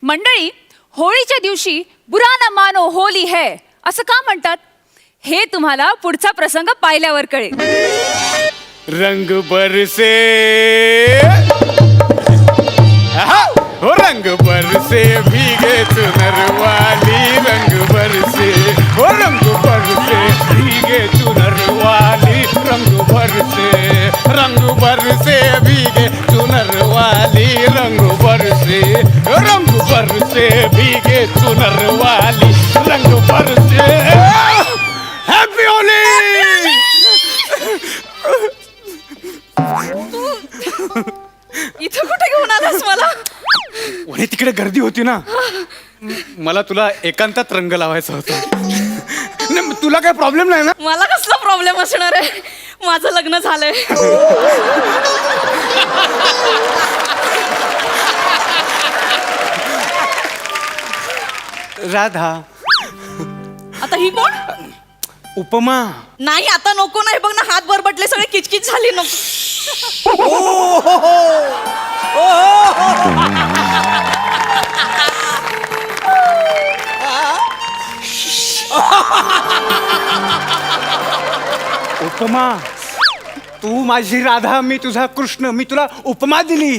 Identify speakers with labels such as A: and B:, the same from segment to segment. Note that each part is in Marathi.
A: मंडळी, होळीच्या दिवशी बुरा न मानो होली है असं का म्हणतात हे तुम्हाला पुढचा प्रसंग पाहिल्यावर कळेल.
B: रंग बरसे हो रंग बरसे भीगे चुनर वाली रंग बरसे हो रंग बरसे भीगे चुनर वाली रंग बरसे भीगे चुनर वाली रंग बरसे भीगे चुनर वाली रंग बरसे. हॅपी होली.
A: इथं कुठे घेऊन आलास मला?
B: वणी तिकडे गर्दी होती ना, मला तुला एकांतात रंग लावायचा होता. नाही, तुला काय प्रॉब्लेम नाही ना?
A: मला कसला प्रॉब्लेम असणार आहे, माझं लग्न झालंय.
B: राधा.
A: आता ही कोण?
B: उपमा.
A: नाही आता नको नाही, बघ ना हात बरबटले, सगळे किचकिच झाली. नको.
B: उपमा, तू माझी राधा, मी तुझा कृष्ण, मी तुला उपमा दिली.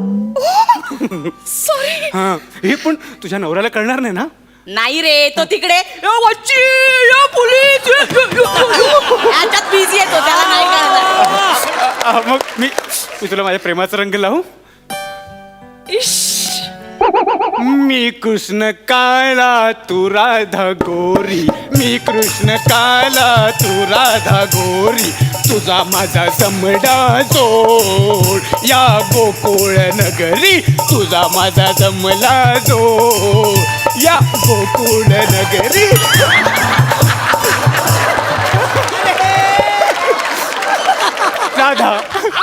A: सॉरी.
B: हा, हे पण तुझ्या नवऱ्याला कळणार नाही ना?
A: नाही रे, तो तिकडे याच्यात बिझी येतो, त्याला नाही कळणार.
B: मग मी तुला माझ्या प्रेमाचा रंग लावू. मी कृष्ण काला तू राधा गोरी, मी कृष्ण काला तू राधा गोरी, तुझा माझा समडा जोड या गोकुळ नगरी, तुझा माझा जमला जोड या गोकुळ नगरी. राधा.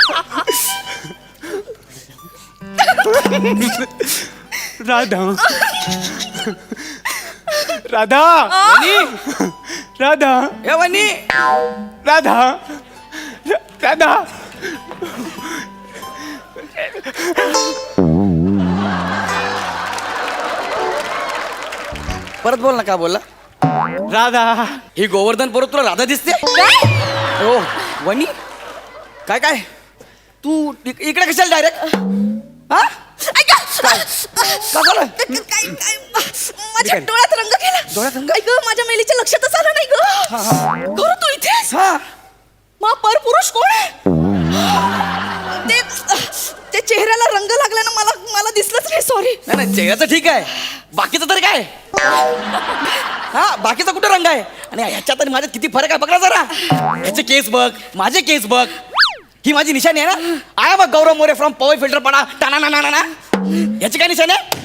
B: राधा. राधा. राधा.
C: वनी
B: राधा. राधा.
C: परत बोल ना, का बोलला?
B: राधा.
C: ही गोवर्धन परत तुला राधा दिसते? हो वनी, काय काय तू इकडे कशाला डायरेक्ट? हा का झालं?
A: माझ्या डोळ्यात रंग गेला.
C: डोळ्यात रंग?
A: ऐक, माझ्या मेलीच्या लक्षातच आलं नाही ग. खरं तू इथेच?
C: हा,
A: मग परपुरुष कोण आहे? ते चेहऱ्याला रंग लागल्यानं मला दिसलंच नाही. सॉरी.
C: नाही नाही, चेहऱ्याचं ठीक आहे, बाकीचं तरी काय? हा, बाकीचा कुठे रंग आहे? आणि ह्याच्यात आणि माझ्यात किती फरक आहे बघ ना जरा. ह्याचे केस बघ, माझे केस बघ. ही माझी निशाणी आहे ना. आय बघ, Gaurav More from power filter पडा टाना ना ना ना. ह्याची काय निशाणी आहे?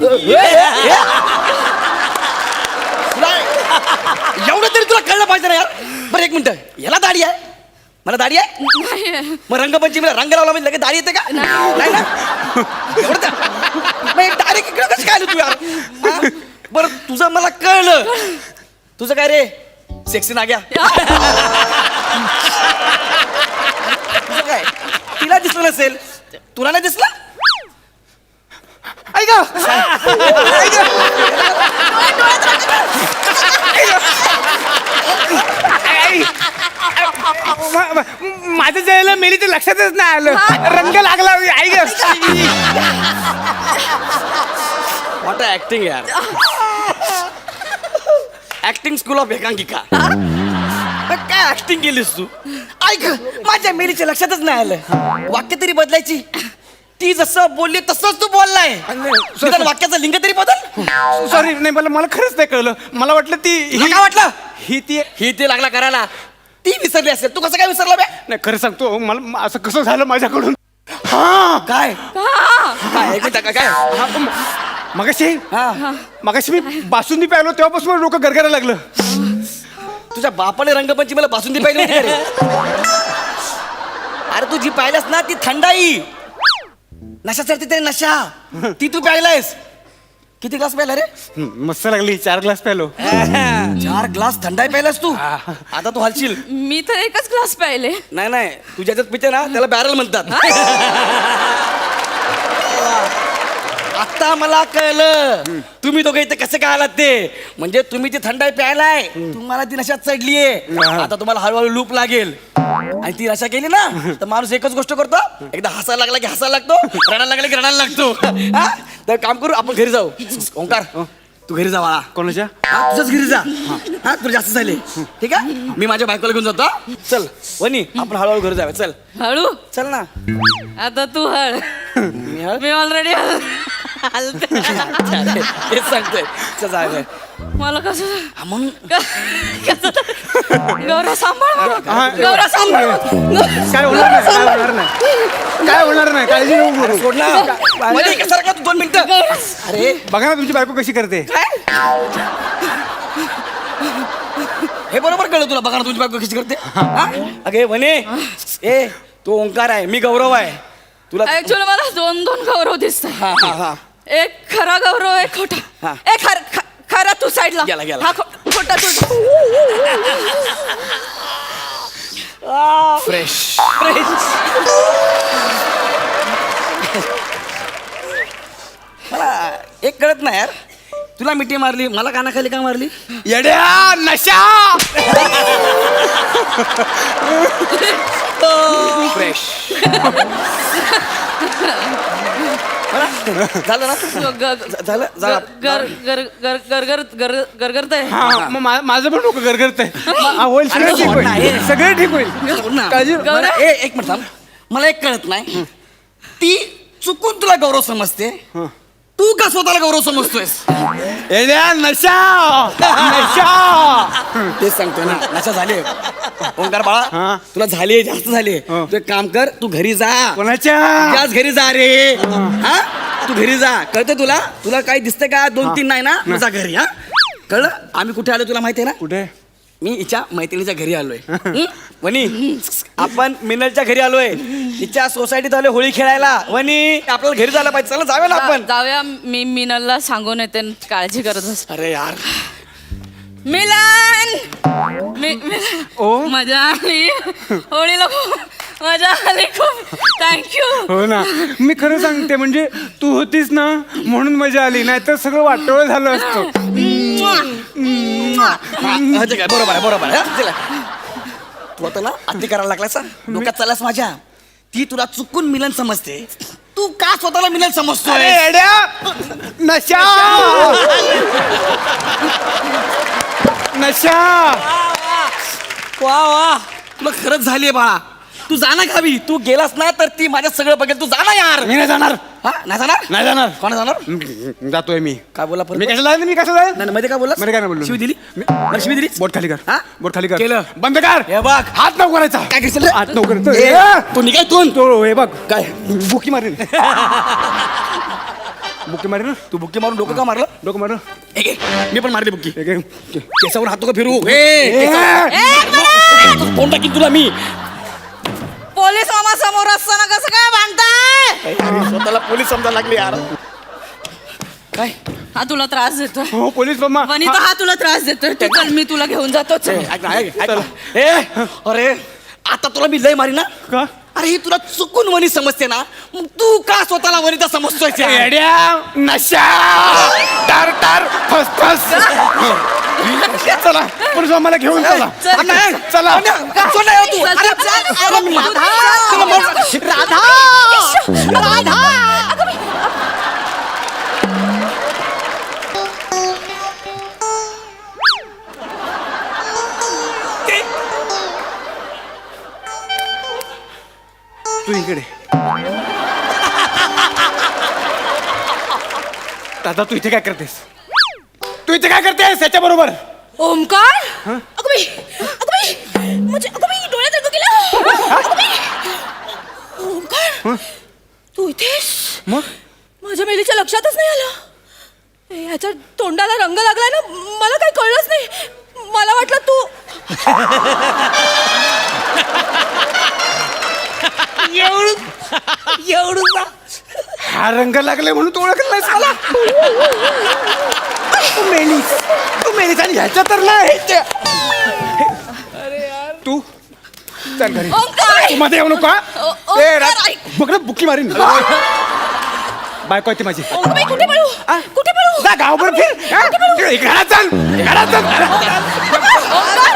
C: एवढं तरी तुला कळलं पाहिजे ना यार. बरं एक मिनिट, याला दाढी आहे, मला दाढी आहे. मग रंगपंचमीला रंग लावला म्हणजे लगेच दाढी येते का? नाही ना. एवढं मग डायरेक्ट इकडे कसं काय आलं तू यार? हा? बरं तुझं मला कळलं. तुझं काय रे, सेक्सी ना गया? तुझं काय, तिला दिसलं नसेल, तुला नाही दिसलं? ऐक
B: माझं जायला मेली तर लक्षातच नाही आलं, रंग लागला. आई ग,
C: व्हॉट ऍक्टिंग यार. ऍक्टिंग स्कूल ऑफ एकांकिका. काय ऍक्टिंग केलीस तू? ऐक, माझ्या मेलीच्या लक्षातच नाही आलं. वाक्य तरी बदलायची. ती जसं बोलली तसंच तू बोललाय. निदान वाक्याचं लिंग तरी बदल.
B: सॉरी. नाही, मला खरंच नाही कळलं. मला वाटलं ती
C: तुला काय वाटलं?
B: ही
C: ते लागला करायला. ती विसरली असेल, तू कसं काय विसरला बे?
B: नाही, खरं सांगतो, मला असं कसं झालं माझ्याकडून. हा,
C: काय काय एक मिनिट, काय
B: मगाशी मी बासुंदी प्यायलो तेव्हापासून डोकं गरगरायला लागलं.
C: तुझ्या बापाने रंगपंचमीला बासुंदी पाहिली होती का रे? अरे तू जी पाहिल्यास ना ती थंडाई, नशा चढते ते नशा, ती तू प्यायलायस. किती ग्लास प्यायला रे?
B: मस्त लागली. 4 ग्लास प्यालो.
C: 4 ग्लास थंडाई प्यायलास तू. आता तू हलशील.
A: मी तर एकच ग्लास प्यायले.
C: नाही नाही, तू ज्याच्यात पिते ना त्याला बॅरल म्हणतात. आता मला कळलं तुम्ही दोघे इथे कसे काय आलात ते. म्हणजे तुम्ही ती थंडाई प्यायलाय, तुम्हाला ती नशा चढलीये. आता तुम्हाला हळूहळू लूप लागेल आणि ती नशा केली ना तर माणूस एकच गोष्ट करतो, एकदा हसायला लागला की हसायला लागतो, रडायला लागला की रडायला लागतो. हा? तर काम करू, आपण घरी जाऊ. ओंकार तू घरी जा बाळा.
B: कोणाच्या?
C: हा, तुझ्याच घरी जा. हा तुला जास्त झाले ठीक आहे. मी माझ्या बायकोला घेऊन जातो. हा? चल वनी आपण हळूहळू घरी जाऊया. चल
A: हळू
C: चल ना.
A: आता तू हळ.
C: मी हळ
A: मी ऑलरेडी
C: तेच सांगतोय. चल जाऊया.
A: मला कसं
C: मग
A: गौरव सांभाळ मला.
B: हा.
A: गौरव सांभाळ.
B: काय होणार नाही, काय होणार नाही, काय होणार नाही, काळजी नको करू.
C: सोड ना. मध्ये कसा राखला तू 2 मिनिटं. अरे
B: बघा ना तुमची बायको कशी करते.
C: हे बरोबर कळलं तुला. बघा ना तुझी बायको कशी करते. हा? अगे वने ए तो ओंकार आहे, मी गौरव आहे. तुला
A: ऍक्च्युअली मला 2 गौरव दिसतात.
C: हा हा हा
A: एक खरा गौरव, एक खोटा.
C: हा.
A: एक खरा तू साईडला.
C: गेला, गेला.
A: हा खोटा तू.
C: फ्रेश मला एक कळत नाही यार, तुला मिठी मारली, मला कानाखाली का मारली.
B: येड्या नशा.
C: फ्रेश झालं ना. झालं झालं.
A: गरगरतंय.
B: हा, मग माझं पण डोकं गरगरतंय. होईल, सगळं ठीक होईल, सगळं ठीक होईल.
C: सोड ना.
B: काळजी
C: मला एक मिनिट थांब. मला एक कळत नाही, ती चुकून तुला गौरव समजते, तू का स्वतःला गौरव समजतोयस.
B: येड्या नशा. नशा.
C: तेच सांगतोय ना, नशा झाली. ओंकार बाळा
B: हा.
C: तुला झाली, जास्त झाली. तू एक काम कर, तू घरी जा.
B: कोणाच्या?
C: त्याच घरी जा रे. हा तू घरी जा. कळतं तुला. तुला काही दिसतंय का? 2-3 नाही ना. मग जा घरी. हा कळलं. आम्ही कुठे आलो तुला माहितीये ना.
B: कुठे?
C: मी हिच्या मैत्रिणीच्या घरी आलोय. वनी आपण मिनलच्या घरी आलोय. हिच्या सोसायटीत आलोय होळी खेळायला. वनी आपल्याला घरी जायला पाहिजे. चला जाऊया ना आपण.
A: जाऊया. मी मिनलला सांगून येते. काळजी करत बस.
C: अरे यार
A: मिलन.
B: ओ.
A: मजा आली होळीला. खूप मजा आली. खूप थँक्यू.
B: हो ना, मी खरं सांगते, म्हणजे तू होतीस ना म्हणून मजा आली, नाही तर सगळं वाटोळं झालं असतं.
C: काय बरोबर आहे, बरोबर आहे. हा, चला. तू आता ना अति करायला लागलास. डोक्यात चाललास माझ्या. ती तुला चुकून मिलन समजते, तू का स्वतःला मिलन समजतोय.
B: अरे येड्या नशा. नशा.
C: वा वा तुला खरंच झालीये बाळा. तू जाना गावी. तू गेलास ना तर ती माझ्या सगळं बघेल. तू जाना यार.
B: मी नाही जाणार.
C: हा नाही जाणार.
B: नाही जाणार.
C: कोण जाणार.
B: जातोय मी.
C: काय बोला परत.
B: मी कसं जाईल? मी कसं जाईल?
C: नाही मध्ये काय बोलला.
B: मध्ये काय नाही बोललो.
C: शिवी दिली. मला शिवी दिली.
B: बोट खाली कर.
C: हा?
B: बोट खाली कर.
C: केलं.
B: बंद कर.
C: हे बघ.
B: हात नको करायचा.
C: काय करशील रे?
B: हात नको करायचा.
C: ए, तू निघायतून.
B: तो हे बघ
C: काय
B: बुकी मारेन. बुकी मारेन ना.
C: तू बुक्की मारून डोकं का मारलं.
B: डोकं मार.
C: एक एक. मी पण मारली बुक्की.
B: एक एक.
C: केसावर हात नको फिरू.
B: ए,
C: कोण टाकीन तुला मी.
A: पोलीस मामा समोर असताना कसं काय भांडताय.
C: स्वतःला पोलीस समजायला लागले यार. काय
A: हा तुला त्रास देतोय.
B: हो पोलीस मामा.
A: वनिता हा तुला त्रास देतोय. तू चल, मी तुला घेऊन जातो. चल.
C: ऐक ना, ऐक ना. ए अरे आता तुला मी लय मारी ना.
B: का?
C: अरे ही तुला चुकून वनी समजते ना, मग तू का स्वतःला वनिता समजतोय.
B: येड्या नशा. टार टार फस फस. चला पोलीस मामाला घेऊन चला.
A: चल.
B: चला.
C: तू
A: चल,
C: अरे
A: चल.
C: अरे मी-
A: राधा. राधा.
B: तू इकडे. दादा तू इथे काय करतेस? तू इथे काय करतेस याच्या बरोबर?
A: ओमकार. अगं बाई, अगं बाई, म्हणजे अगं बाई, डोळ्यात रंग गेला. अगं बाई. ओमकार तू इथेस.
B: मग
A: माझ्या मेलीच्या लक्षातच नाही आलं. ह्याच्या तोंडाला रंग लागलाय ना, मला काही कळलंच नाही. मला वाटलं तू
C: एवढं
B: हा रंग लागले म्हणून तू ओळखलं नाहीस मला. तू मेलीस. तू मेलीस आणि ह्याच्या तर नाही. तू चल घरी.
A: ओंकार.
B: तू मध्ये येऊ नका.
A: ओंकार, ऐक.
B: बघ ना बुकी मारीन. बायको आहे ती माझी.
A: अगं कुठे पळू कुठे पळू
B: जा गावभर फिर हा? घरात चल घरात चल.
A: ओंकार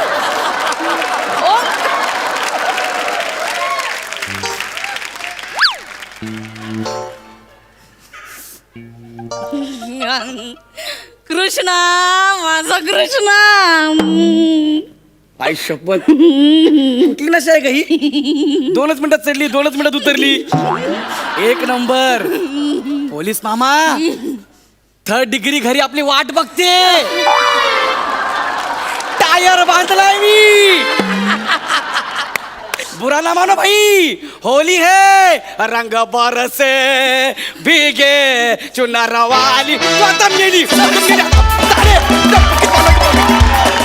A: कृष्णा माझा कृष्णा
C: आई शपथ कुठली नशा आहे का ही? 2च मिनिटात चढली 2च मिनिटात उतरली. एक नंबर. पोलीस मामा 3rd डिग्री घरी आपली वाट बघते. टायर बांधलाय मी. बुरा ना मानो भाई, होली है रंग बरसे भीगे चुनार वाली. तू आता मेली.